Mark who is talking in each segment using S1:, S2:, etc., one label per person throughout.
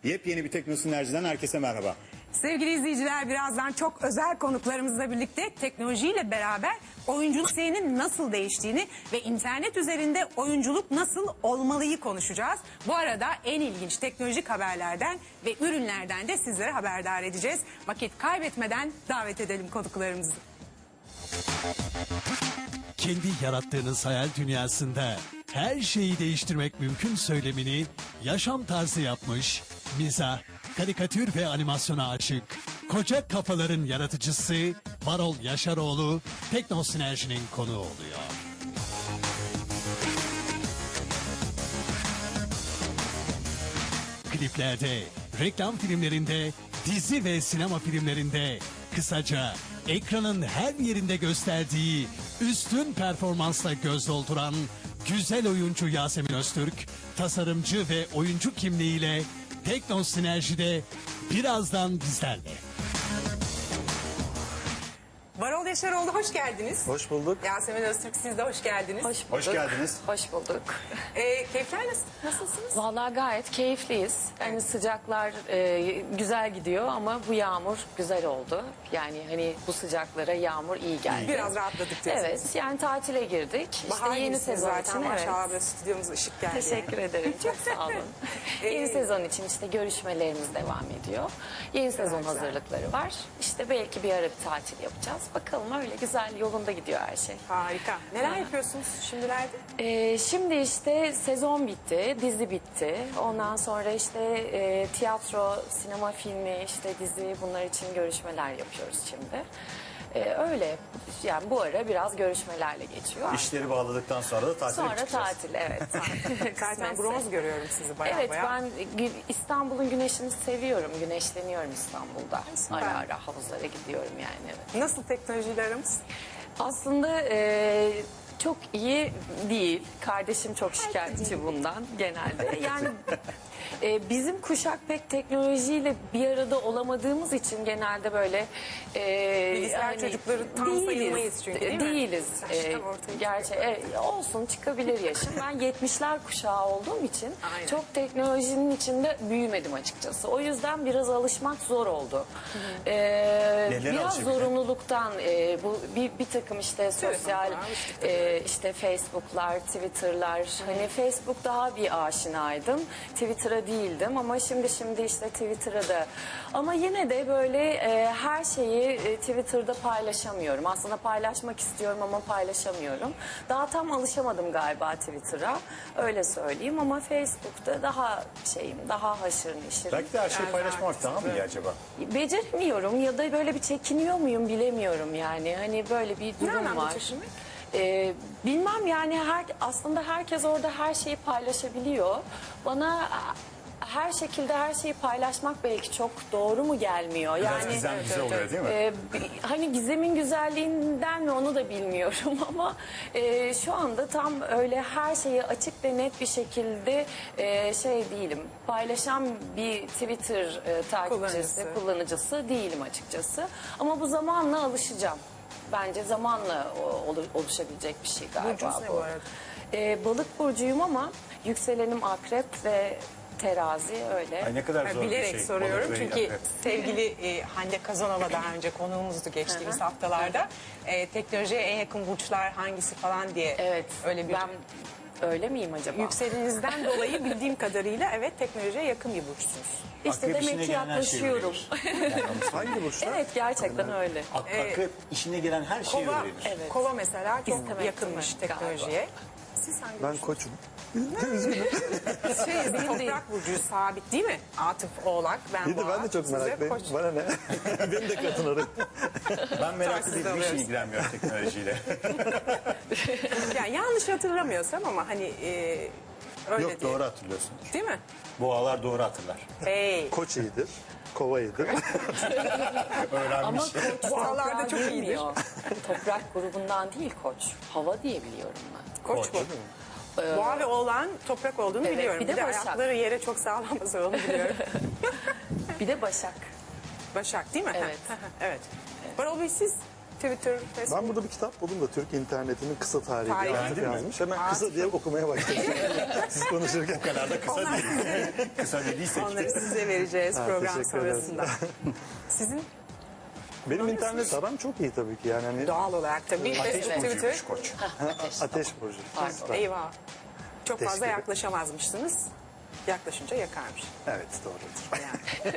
S1: Yepyeni bir Teknosinerji'den herkese merhaba.
S2: Sevgili izleyiciler, birazdan çok özel konuklarımızla birlikte teknolojiyle beraber oyunculuk seyrinin nasıl değiştiğini ve internet üzerinde oyunculuk nasıl olmalıyı konuşacağız. Bu arada en ilginç teknolojik haberlerden ve ürünlerden de sizlere haberdar edeceğiz. Vakit kaybetmeden davet edelim konuklarımızı.
S3: Kendi yarattığınız hayal dünyasında her şeyi değiştirmek mümkün söylemini yaşam tarzı yapmış, mizah, karikatür ve animasyona açık, koca kafaların yaratıcısı Varol Yaşaroğlu Teknosinerji'nin konuğu oluyor. Kliplerde, reklam filmlerinde, dizi ve sinema filmlerinde, kısaca ekranın her yerinde gösterdiği üstün performansla göz dolduran güzel oyuncu Yasemin Öztürk, tasarımcı ve oyuncu kimliğiyle Teknosinerji'de birazdan bizlerle.
S2: Varol Yaşaroğlu, hoş geldiniz.
S4: Hoş bulduk.
S2: Yasemin Öztürk, siz de hoş geldiniz.
S5: Hoş bulduk.
S1: Hoş geldiniz.
S5: Hoş bulduk.
S2: Keyifler nasılsınız?
S5: Vallahi gayet keyifliyiz. Yani sıcaklar güzel gidiyor ama bu yağmur güzel oldu. Yani hani bu sıcaklara yağmur iyi geldi.
S2: Biraz rahatladık diyorsunuz.
S5: Evet, yani tatile girdik.
S2: Bahar
S5: İşte yeni
S2: gibisiniz
S5: sezon
S2: zaten,
S5: için.
S2: maşallah,
S5: Evet.
S2: böyle stüdyomuza ışık geldi.
S5: Teşekkür ederim. Çok sağ olun. Yeni sezon için işte görüşmelerimiz devam ediyor. Yeni sezon
S2: güzel.
S5: hazırlıkları var. İşte belki bir ara bir tatil yapacağız. Bakalım, öyle güzel yolunda gidiyor her şey.
S2: Harika. Neler yapıyorsunuz şimdilerde?
S5: Şimdi işte sezon bitti, dizi bitti. Ondan sonra işte tiyatro, sinema filmi, işte dizi, bunlar için görüşmeler yapıyoruz şimdi. Öyle, yani bu ara biraz görüşmelerle geçiyor.
S1: İşleri bağladıktan sonra da tatile
S5: Sonra
S1: çıkacağız.
S5: tatil, evet.
S2: Zaten
S5: Kısmetse.
S2: bronz görüyorum sizi bayağı
S5: Evet,
S2: bayağı.
S5: ben İstanbul'un güneşini seviyorum. Güneşleniyorum İstanbul'da.
S2: Süper.
S5: Ara ara havuzlara gidiyorum yani. Evet.
S2: Nasıl teknolojiyle aramız?
S5: Aslında çok iyi değil. Kardeşim çok şikayetçi bundan genelde. Yani bizim kuşak pek teknolojiyle bir arada olamadığımız için genelde böyle
S2: Bilgisayar çocukları tam sayılmayız çünkü, değil mi?
S5: Değiliz.
S2: Yaştan ortaya
S5: Gerçi olsun, çıkabilir yaşım. Ben 70'ler kuşağı olduğum için
S2: Aynen.
S5: çok teknolojinin içinde büyümedim açıkçası. O yüzden biraz alışmak zor oldu. Biraz
S1: alışabildin?
S5: zorunluluktan bu bir takım işte sosyal işte Facebook'lar, Twitter'lar. Hani Facebook daha bir aşinaydım. Twitter'a değildim ama şimdi işte Twitter'a da. Ama yine de böyle her şeyi Twitter'da paylaşamıyorum. Aslında paylaşmak istiyorum ama paylaşamıyorum. Daha tam alışamadım galiba Twitter'a. Öyle söyleyeyim ama Facebook'ta daha daha haşır neşirim.
S1: Belki de her şeyi paylaşmak daha mı iyi acaba?
S5: Beceremiyorum ya da böyle bir çekiniyor muyum bilemiyorum yani. Hani böyle bir durum
S2: anlamda
S5: var.
S2: çekinmek?
S5: Bilmem yani, aslında herkes orada her şeyi paylaşabiliyor. Bana her şekilde her şeyi paylaşmak belki çok doğru mu gelmiyor?
S1: Biraz
S5: Yani
S1: gizem güzel oluyor değil mi?
S5: hani gizemin güzelliğinden mi onu da bilmiyorum ama şu anda tam öyle her şeyi açık ve net bir şekilde değilim. Paylaşan bir Twitter kullanıcısı değilim açıkçası. Ama bu zamanla alışacağım. Bence zamanla oluşabilecek bir şey galiba.
S2: Burcunuz ne bu arada?
S5: Balık burcuyum ama yükselenim akrep ve terazi, öyle.
S1: Ay ne kadar zor bir
S2: Bilerek
S1: şey.
S2: soruyorum
S1: Balık ve
S2: çünkü
S1: akrep.
S2: sevgili Hande Kazanova daha önce konuğumuzdu geçtiğimiz haftalarda. Teknolojiye en yakın burçlar hangisi falan diye.
S5: Evet.
S2: Öyle bir
S5: Ben öyle miyim acaba?
S2: yükselinizden dolayı bildiğim kadarıyla evet teknolojiye yakın bir burçsunuz.
S5: İşte
S1: Akrep işine
S5: demek ki
S1: gelen her şeyi
S5: yaklaşıyorum.
S4: Hangi burçlar?
S5: Evet, gerçekten öyle.
S1: Akrep işine gelen her şeyi
S2: Kova,
S1: öğrenir.
S5: Evet.
S2: Kova mesela çok
S5: İstemekti
S2: yakınmış
S5: mi?
S2: teknolojiye. Siz hangi
S4: Ben koçum.
S2: toprak burcu sabit değil mi? Atıf Oğlak, ben
S4: İyi de
S2: Boğa.
S4: ben de çok
S2: siz de
S4: meraklıyım.
S2: Koç.
S4: Bana ne? Beni de katın oraya.
S1: Ben meraklı
S2: Taksiz
S1: değilim, hiç
S2: alıyoruz.
S1: ilgilenmiyorum teknolojiyle.
S2: Yani yanlış hatırlamıyorsam ama hani öyle
S1: Yok,
S2: diye.
S1: doğru hatırlıyorsun.
S2: Değil mi?
S1: Boğalar doğru hatırlar.
S2: Hey.
S4: Koç iyidir. Kova iyidir.
S5: Ama
S1: Öğrenmiş.
S5: koç
S2: Boğalarda
S5: toprağa
S2: çok iyidir.
S5: girmiyor. Toprak grubundan değil koç. Hava diye biliyorum ben.
S2: Koç bu. Boğa ve Oğlan toprak olduğunu
S5: Evet,
S2: biliyorum.
S5: bir de Başak.
S2: ayakları yere çok sağlam basıyor, onu biliyorum.
S5: Bir de Başak.
S2: Başak değil mi?
S5: Evet.
S2: Evet. Varol Bey, siz Twitter, Facebook.
S4: Ben burada bir kitap buldum da Türk internetinin kısa tarihi
S2: Tarihi.
S4: diye
S1: Beğendin mi?
S4: yazmış. Hemen kısa diye okumaya başladım. Siz konuşurken.
S1: O kadar da kısa
S2: Onlar
S1: değil. Kısa dediysek.
S2: Onları size vereceğiz
S4: Ha,
S2: program
S4: teşekkür ederim.
S2: sonrasında. Sizin
S4: Benim internet aram çok iyi tabii ki. Yani hani
S2: doğal olarak tabii
S1: Ateş
S2: Facebook,
S1: burcuymuş
S2: Twitter.
S1: Koç.
S4: ateş burcu. Süper.
S2: Eyvah. Çok fazla
S4: Teşekkür.
S2: yaklaşamazmışsınız. Yaklaşınca yakarmış.
S4: Evet doğrudur.
S2: Yani.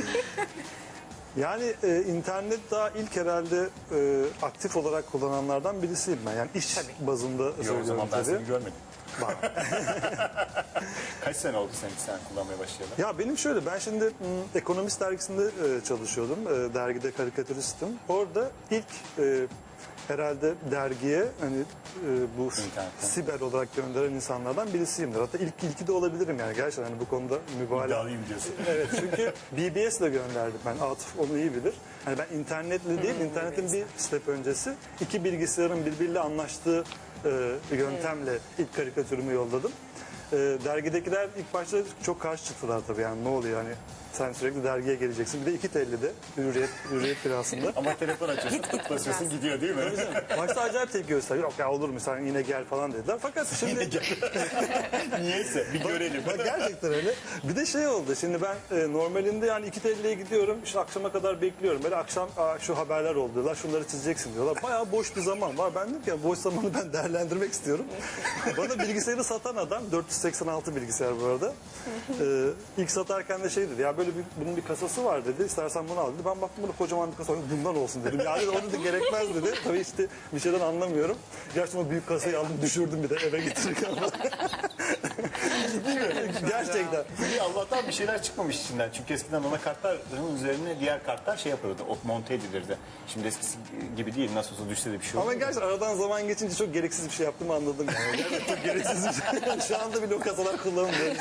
S4: Yani internet daha ilk herhalde aktif olarak kullananlardan birisiyim ben. Yani iş bazında
S1: Yok, o
S4: söylüyorum
S1: zaman ben
S4: tabii.
S1: seni görmedim. Kaç sene oldu sen kullanmaya başlayalı?
S4: Ya benim şöyle, ben şimdi Ekonomist dergisinde çalışıyordum. Dergide karikatüristim. Orada ilk herhalde dergiye hani bu
S1: İnternetten.
S4: siber olarak gönderen insanlardan birisiyimdir. Hatta ilki de olabilirim yani gerçekten hani bu konuda mübalağa.
S1: İddialıyım diyorsun.
S4: Evet, çünkü BBS'le gönderdim ben. Atıf onu iyi bilir. Hani ben internetle değil, internetin bir step öncesi iki bilgisayarın birbiriyle anlaştığı yöntemle ilk karikatürümü yolladım. Dergidekiler ilk başta çok karşı çıktılar tabii, yani ne oluyor hani sen sürekli dergiye geleceksin. Bir de 2.50'de Hürriyet Birası'nda.
S1: Ama telefon açıyorsun, basıyorsun gidiyor değil mi?
S4: Başta acayip tepki gösterdi. Yok ya olur mu sen yine gel falan dediler. Fakat şimdi
S1: Niyeyse bir görelim.
S4: bak gerçekten öyle. Bir de şey oldu. Şimdi ben normalinde yani 2.50'ye gidiyorum. İşte akşama kadar bekliyorum. Böyle akşam şu haberler oldu diyorlar. Şunları çizeceksin diyorlar. Bayağı boş bir zaman var. Ben dedim ki ya, boş zamanı ben değerlendirmek istiyorum. Bana bilgisayarı satan adam 486 bilgisayar bu arada. İlk satarken de şey dedi. Ya böyle bunun bir kasası var dedi. İstersen bunu al dedi. Ben baktım bunu kocaman bir kasa. Bundan olsun dedim. Yani onu da gerekmez dedi. Tabii işte bir şeyden anlamıyorum. Gerçekten o büyük kasayı aldım, düşürdüm bir de eve getirirken. Gerçekten.
S1: İyi, Allah'tan bir şeyler çıkmamış içinden. Çünkü eskiden anakartların üzerine diğer kartlar şey yapılırdı. Monte edilirdi. Şimdi eskisi gibi değil. Nasıl olsa düşse de bir şey
S4: Ama
S1: olmuyor.
S4: gerçekten aradan zaman geçince çok gereksiz bir şey yaptığımı anladım. Yani. Gerçekten çok gereksiz bir şey. Şu anda bile o kasalar kullanılmıyor.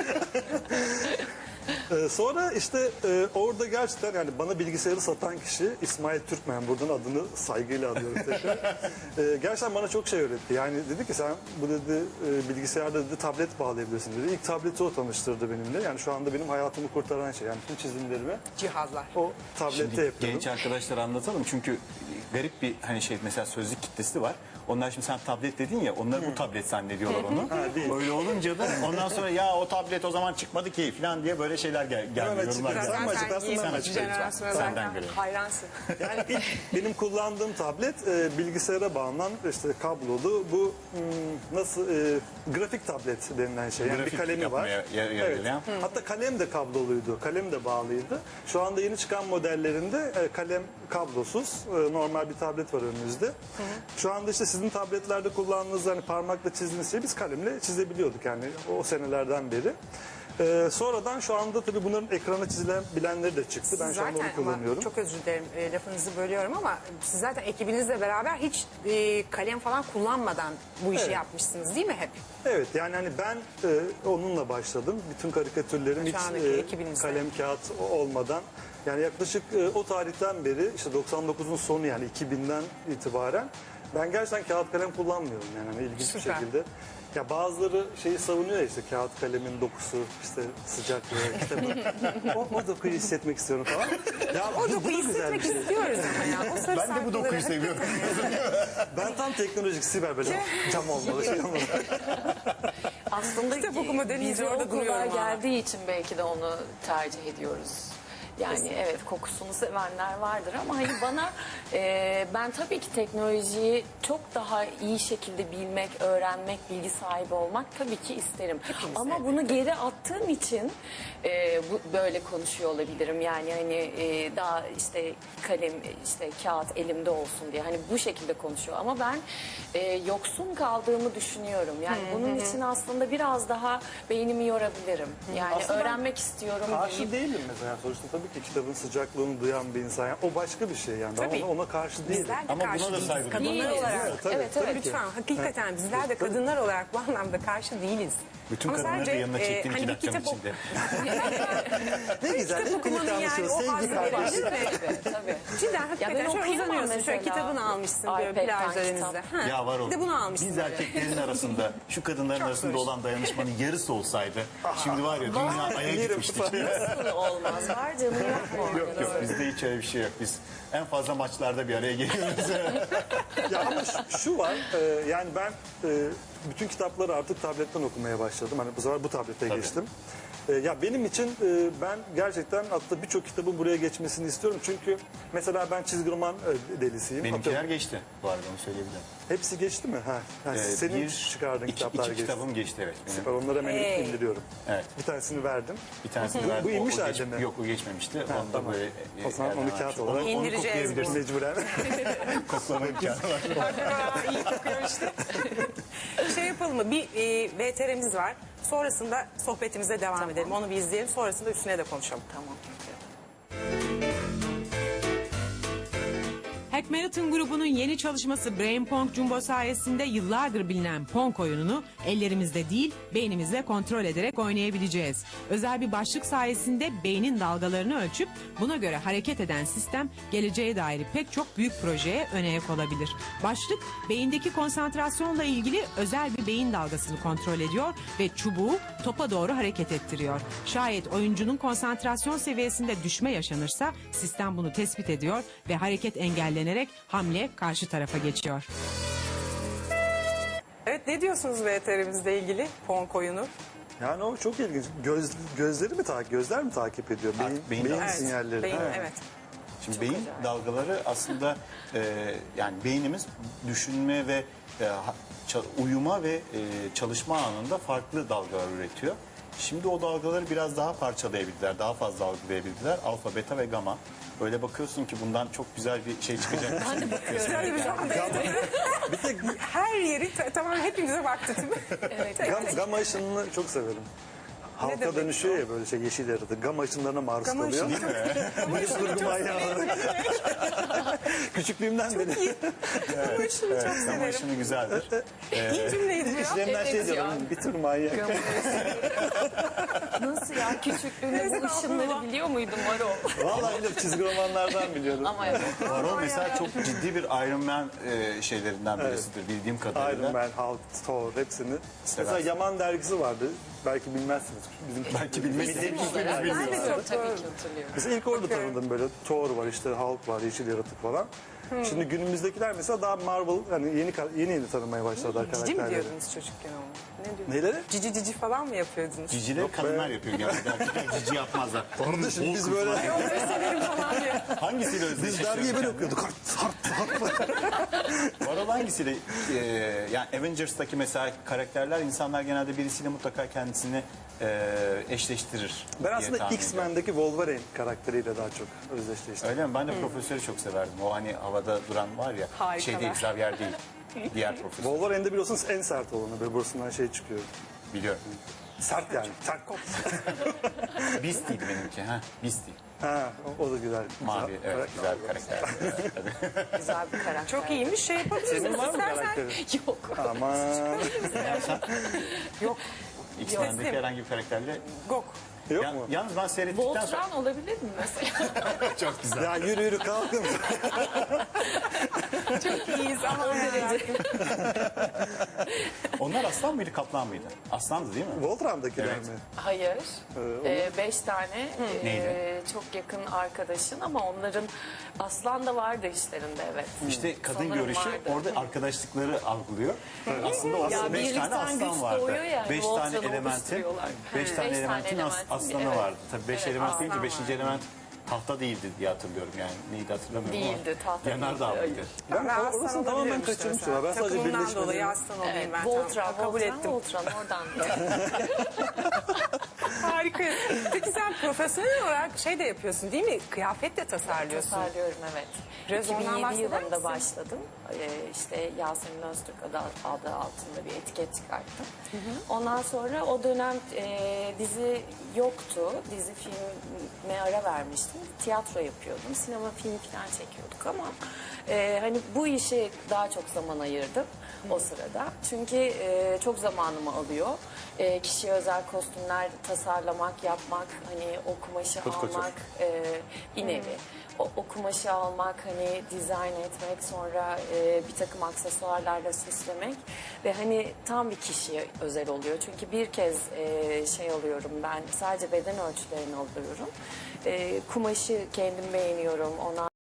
S4: Sonra işte orada gerçekten yani bana bilgisayarı satan kişi İsmail Türkmen, buradan adını saygıyla alıyorum tekrar. Gerçekten bana çok şey öğretti. Yani dedi ki sen bu dedi bilgisayarda dedi tablet bağlayabilirsin dedi. İlk tableti o tanıştırdı benimle. Yani şu anda benim hayatımı kurtaran şey. Yani tüm çizimlerimi
S2: Cihazlar.
S4: o tablette
S1: Şimdi
S4: yapıyorum.
S1: genç arkadaşlara anlatalım çünkü garip bir hani şey mesela sözlük kitlesi var. Onlar şimdi sen tablet dedin ya, onlar bu tablet zannediyorlar onu.
S4: değil.
S1: Öyle olunca da ondan sonra ya o tablet o zaman çıkmadı ki falan diye böyle şeyler gelmiyor.
S4: Hemen
S1: Yorumlar
S4: açık-
S1: gelmiyor.
S4: Sen mi açıklarsın, ben mi
S1: Sen
S4: açıklayayım?
S2: Jenerasyona
S1: Senden
S2: zaten
S1: görelim.
S2: hayransın.
S4: Yani ilk benim kullandığım tablet bilgisayara bağlanan işte kablolu bu nasıl grafik tablet denilen şey. Yani
S1: Grafik
S4: bir kalemi var.
S1: yapmaya yarıyor.
S4: Hatta kalem de kabloluydu. Kalem de bağlıydı. Şu anda yeni çıkan modellerinde kalem kablosuz normal bir tablet var önümüzde. Şu anda işte sizin tabletlerde kullandığınız hani parmakla çizdiğiniz şeyi biz kalemle çizebiliyorduk yani o senelerden beri. Sonradan şu anda tabii bunların ekrana çizilebilenleri de çıktı. Ben şu anda onu kullanıyorum.
S2: Ama çok özür dilerim lafınızı bölüyorum ama siz zaten ekibinizle beraber hiç kalem falan kullanmadan bu işi
S4: Evet.
S2: yapmışsınız değil mi hep?
S4: Evet yani hani ben onunla başladım. Bütün karikatürlerim
S2: Şu
S4: hiç
S2: andaki ekibinizle.
S4: kalem kağıt olmadan. Yani yaklaşık o tarihten beri işte 99'un sonu yani 2000'den itibaren ben gerçekten kağıt kalem kullanmıyorum yani hani ilginç
S2: Süper.
S4: bir şekilde. Ya bazıları şeyi savunuyor ya işte kağıt kalemin dokusu işte sıcaklığı işte o dokuyu hissetmek istiyorum falan. Ya
S2: O
S4: bu da
S2: dokuyu
S4: güzel bir
S2: hissetmek
S4: şey.
S2: istiyoruz ama ya. O sarı
S1: Ben de bu dokuyu
S2: sarkıları-
S1: seviyorum.
S4: Ben tam teknolojik siber böyle cam olmalı şey olmalı.
S5: Aslında
S2: Kitap okuma denince
S5: bize
S2: orada
S5: o
S2: duruyorum
S5: kolay
S2: ama.
S5: geldiği için belki de onu tercih ediyoruz. Yani evet kokusunu sevenler vardır ama hani bana ben tabii ki teknolojiyi çok daha iyi şekilde bilmek, öğrenmek, bilgi sahibi olmak tabii ki isterim. Ama bunu geri attığım için böyle konuşuyor olabilirim. Yani hani daha işte kalem işte kağıt elimde olsun diye hani bu şekilde konuşuyor. Ama ben yoksun kaldığımı düşünüyorum. Yani bunun için aslında biraz daha beynimi yorabilirim. Yani
S4: Aslında ben
S5: öğrenmek istiyorum
S4: Karşı
S5: deyip
S4: değilim mesela. Sonuçta tabii ki kitabın sıcaklığını duyan bir insan. Yani o başka bir şey yani. Ben
S2: Tabii.
S4: ona karşı değilim.
S2: Bizler de
S1: Ama buna
S2: karşı
S1: da
S2: değiliz.
S1: saygı
S2: Kadınlar
S5: duyuyoruz.
S2: olarak.
S4: Evet, tabii,
S5: Evet,
S4: tabii
S5: evet.
S4: ki.
S2: Lütfen hakikaten bizler de kadınlar olarak bu anlamda karşı değiliz.
S1: Bütün
S2: Ama
S1: kadınları da
S2: sadece,
S1: yanına çektiğin
S2: hani
S1: iki
S2: bir
S1: dakika
S2: kitap
S1: içinde.
S4: Ne güzel.
S2: Kitap
S4: Hep
S2: okumanın
S4: birlikte
S2: yani
S4: anlaşıyoruz.
S2: o
S4: Sevgi
S2: hazzı var
S4: kardeşi.
S2: değil mi?
S5: tabii.
S2: Cidden
S5: Ya
S2: hakikaten
S5: ben
S2: şöyle
S5: okuyamam
S2: uzanıyorsun. Şöyle
S5: mesela.
S2: kitabını almışsın böyle
S5: iPad'den
S2: plaj derinizde.
S5: kitap.
S2: Ha.
S1: Ya var o.
S2: Bir de bunu almışsın.
S1: Biz
S2: böyle.
S1: erkeklerin arasında şu kadınların
S2: Çok
S1: arasında
S2: zor.
S1: olan dayanışmanın yarısı olsaydı şimdi var ya dünya aya
S4: Yerim
S1: gitmiştik.
S4: falan.
S5: Nasıl olmaz? Var canım.
S2: durumun yok mu?
S1: Yok yok, bizde hiç öyle bir şey yok. Biz en fazla maçlarda bir araya geliyoruz.
S4: Ya ama şu var, yani ben bütün kitapları artık tabletten okumaya başladım. Hani bu sefer bu tablete geçtim. Ya benim için ben gerçekten hatta birçok kitabın buraya geçmesini istiyorum. Çünkü mesela ben çizgi roman delisiyim.
S1: Benimkiler
S4: Atıyorum,
S1: geçti bu arada, onu söyleyebilirim.
S4: hepsi geçti mi? Ha. Senin çıkardığın kitaplar
S1: iki
S4: geçti.
S1: kitabım geçti, evet. Benim.
S4: Süper, onları hemen indiriyorum.
S1: Evet.
S4: Bir tanesini verdim.
S1: Bir tanesini
S4: Bu
S1: verdim.
S4: inmiş
S1: o
S4: halde mi?
S1: Yok, o geçmemişti. Onu da
S4: tamam.
S1: böyle...
S4: O zaman onu
S1: elden
S4: kağıt
S1: vermiştim.
S4: olarak
S2: İndireceğiz
S1: koklayabilirsin.
S4: Mecburen.
S1: Koklama imkanı var.
S2: Aa, iyi kokuyor işte. Şey yapalım mı? Bir VTR'miz var. Sonrasında sohbetimize devam edelim. Onu bir izleyelim. Sonrasında üstüne de konuşalım.
S5: Tamam.
S6: Hack Marathon grubunun yeni çalışması Brain Pong Jumbo sayesinde yıllardır bilinen Pong oyununu ellerimizde değil beynimizle kontrol ederek oynayabileceğiz. Özel bir başlık sayesinde beynin dalgalarını ölçüp buna göre hareket eden sistem geleceğe dair pek çok büyük projeye ön ayak olabilir. Başlık beyindeki konsantrasyonla ilgili özel bir beyin dalgasını kontrol ediyor ve çubuğu topa doğru hareket ettiriyor. Şayet oyuncunun konsantrasyon seviyesinde düşme yaşanırsa sistem bunu tespit ediyor ve hareket engellenerek hamle karşı tarafa geçiyor.
S2: Evet, ne diyorsunuz VTR'mizle ilgili Pong oyunu?
S4: Yani o çok ilginç. Gözler mi takip ediyor?
S1: Beyin
S4: Beyin
S1: dalgası.
S4: sinyalleri.
S2: Beyin,
S4: Ha.
S2: evet.
S1: Şimdi beyin dalgaları aslında yani beynimiz düşünme ve uyuma ve çalışma anında farklı dalgalar üretiyor. Şimdi o dalgaları biraz daha parçalayabildiler, daha fazla algılayabildiler. Alfa, beta ve gamma. Böyle bakıyorsun ki bundan çok güzel bir şey çıkacak. Ben de
S2: Şöyle bir şu anda her yeri tamam, hepimize baktı değil mi? Evet.
S4: Gamma ışınını çok severim. Halka
S2: demek
S4: dönüşüyor ya böyle şey, yeşil yaratık. Gamma ışınlarına maruz
S2: Gamma
S4: kalıyor.
S2: ışını.
S4: Bilim kurgu manyağı. Küçüklüğümden beri.
S2: Ama şunu çok
S1: Gamma
S2: severim.
S1: ışını güzeldir.
S2: İyi cümleydi bu ya.
S4: İşlerimden şey
S5: Evet
S4: diyorum.
S5: ya.
S4: Bir tür manyak.
S5: Nasıl ya, küçüklüğünde bu ışınları biliyor muydun Maro?
S4: Vallahi biliyorum, çizgi romanlardan biliyorum.
S5: Ama evet.
S1: Varol mesela çok ciddi bir Iron Man şeylerinden birisidir bildiğim kadarıyla.
S4: Iron Man, Hulk, Thor hepsini. Mesela Yaman dergisi vardı. Belki bilmezsiniz. Bizim
S1: Belki bilmeyiz.
S2: Ben de çok
S5: Tabii ki hatırlıyorum.
S4: Mesela ilk orada tanıdım böyle. Thor var, işte Hulk var, yeşil yaratık falan. Şimdi günümüzdekiler mesela daha Marvel, yani yeni tanımaya başladılar
S2: Cici mi
S4: karakterleri.
S2: diyordunuz çocukken onu? Ne diyordunuz?
S4: Neleri?
S2: Cici cici falan mı yapıyordunuz?
S1: Cicileri kadınlar yapıyor genelde. Erkekler cici yapmazlar.
S4: Kardeşim biz böyle
S2: Severim falan diye.
S1: Hangisiyle
S4: biz
S1: özdeşleşiyor?
S4: dergiyi böyle okuyorduk.
S1: Varol hangisiyle? Yani Avengers'taki mesela karakterler, insanlar genelde birisiyle mutlaka kendisini eşleştirir.
S4: Ben
S1: diye
S4: aslında
S1: tahmin
S4: X-Men'deki Wolverine karakteriyle daha çok özdeşleştim.
S1: Öyle mi? Ben de profesörü çok severdim. O hani havada duran var ya.
S2: Harikalar.
S1: Şey değil, Xavier değil. Diğer profesör.
S4: Wolverine'de biliyorsunuz en sert olanı, böyle burasından şey çıkıyor.
S1: Biliyorum.
S4: Sert yani, sert kop.
S1: Beastie'ydi benimki. Ha, Beastie.
S4: Ha, o da güzel.
S1: Mavi, evet, güzel bir karakter.
S5: Güzel bir karakter.
S2: Çok iyiymiş, şey yapabilirsiniz.
S4: Senin var mı
S2: İstersen-
S4: karakterin?
S5: Yok.
S4: Aman.
S2: Yok.
S1: X-Men'deki herhangi bir karakterle.
S2: Gok.
S4: Yok mu?
S1: Yalnız ben seyrettikten sonra...
S5: Voltron olabilir mi mesela?
S1: Çok güzel.
S4: Ya yürü kalkın.
S2: İyiyiz ama o derece.
S1: Onlar aslan mıydı, kaplan mıydı? Aslandı değil mi?
S4: Voltron'dakiler
S1: Evet.
S4: mi?
S5: Hayır. 5 tane
S1: Neydi?
S5: çok yakın arkadaşın ama onların aslan da vardı işlerinde, evet.
S1: İşte kadın
S5: Sanırım
S1: görüşü
S5: vardı.
S1: orada arkadaşlıkları algılıyor. Aslında o
S5: Ya
S1: aslında 5 tane
S5: birlikten güç
S1: aslan vardı.
S5: doğuyor yani,
S1: 5 tane
S5: Voltron'u
S1: elementin,
S5: oluşturuyorlar.
S1: 5 tane
S5: Beş
S1: elementin
S5: elementin,
S1: aslanı
S5: evet.
S1: vardı. Tabii 5
S5: Evet,
S1: element deyince
S2: aslan
S1: 5.
S2: vardı.
S1: element tahta değildi diye hatırlıyorum yani. Neydi hatırlamıyorum
S5: Değildi,
S1: ama.
S5: tahta
S1: Yanardağ
S5: değildi,
S1: mıydı?
S4: Ben
S2: Ben
S4: orasını
S2: aslan
S4: tamamen
S2: olabilirim işte
S4: kaçırmışım.
S2: mesela.
S4: Ben sadece
S2: Takımından
S4: birleşmelerini...
S2: dolayı aslan olayım
S5: Evet,
S2: ben.
S5: Voltron,
S2: Tamam, kabul ettim.
S5: Voltron oradan.
S2: Harika. Peki sen profesyonel olarak şey de yapıyorsun değil mi? Kıyafet de tasarlıyorsun.
S5: Tasarlıyorum, evet.
S2: Biraz ondan
S5: 2007
S2: bahseder
S5: yılında
S2: misin?
S5: başladım. İşte Yasemin Öztürk adı altında bir etiket çıkarttım. Ondan sonra o dönem dizi yoktu. Dizi filme ara vermiştim. Tiyatro yapıyordum. Sinema film falan çekiyorduk ama hani bu işe daha çok zaman ayırdım o sırada. Çünkü çok zamanımı alıyor. Kişiye özel kostümler tasarlamak, yapmak, hani o kumaşı
S4: Kurt Koçer.
S5: almak, bir nevi. o kumaşı almak, hani dizayn etmek, sonra bir takım aksesuarlarla süslemek ve hani tam bir kişiye özel oluyor. Çünkü bir kez şey alıyorum ben, sadece beden ölçülerini alıyorum. Kumaşı kendim beğeniyorum, ona